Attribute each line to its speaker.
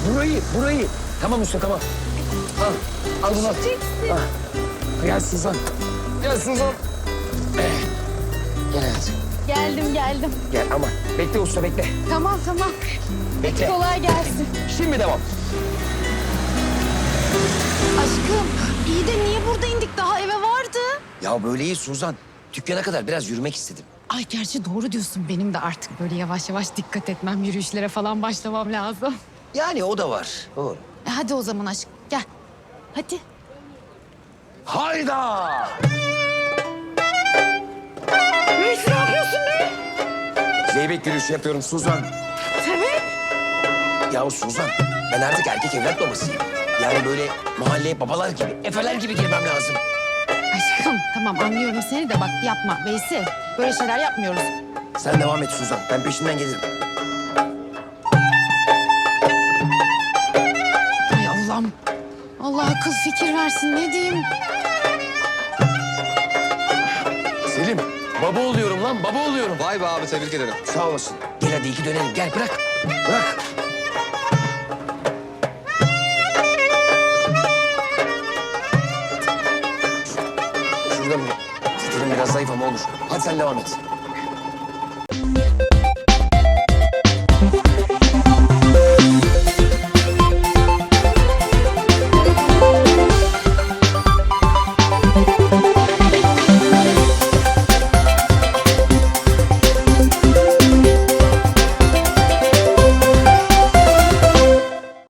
Speaker 1: Burayı. Tamam usta, tamam. Al bunu. Al. Gel Suzan. Gel Suzan. Gel hayatım.
Speaker 2: Geldim.
Speaker 1: Gel ama bekle usta, bekle.
Speaker 2: Tamam.
Speaker 1: Bekle.
Speaker 2: Kolay gelsin.
Speaker 1: Şimdi devam.
Speaker 2: Aşkım iyi de niye burada indik? Daha eve vardı.
Speaker 1: Ya böyle iyi Suzan. Dükkana kadar biraz yürümek istedim.
Speaker 2: Ay gerçi doğru diyorsun. Benim de artık böyle yavaş yavaş dikkat etmem, yürüyüşlere falan başlamam lazım.
Speaker 1: Yani o da var. Doğru.
Speaker 2: Hadi o zaman aşkım gel. Hadi.
Speaker 1: Hayda!
Speaker 2: Ne yapıyorsun be?
Speaker 1: Zeybek yürüyüşü yapıyorum Suzan.
Speaker 2: Sebep?
Speaker 1: Ya Suzan, ben artık erkek evlat babasıyım. Yani böyle mahalleye babalar gibi, efeler gibi girmem lazım.
Speaker 2: Aşkım tamam anlıyorum seni de bak yapma Veysi. Böyle şeyler yapmıyoruz.
Speaker 1: Sen devam et Suzan, ben peşinden gelirim.
Speaker 2: Ay Allah'ım. Allah akıl fikir versin ne diyeyim.
Speaker 1: Selim, baba oluyorum lan, baba oluyorum.
Speaker 3: Vay be abi tebrik ederim.
Speaker 1: Sağ olasın. Gel hadi iki dönelim, gel bırak. Bırak. Şuradan mı? Stilim biraz zayıf ama olur. Hadi sen devam et.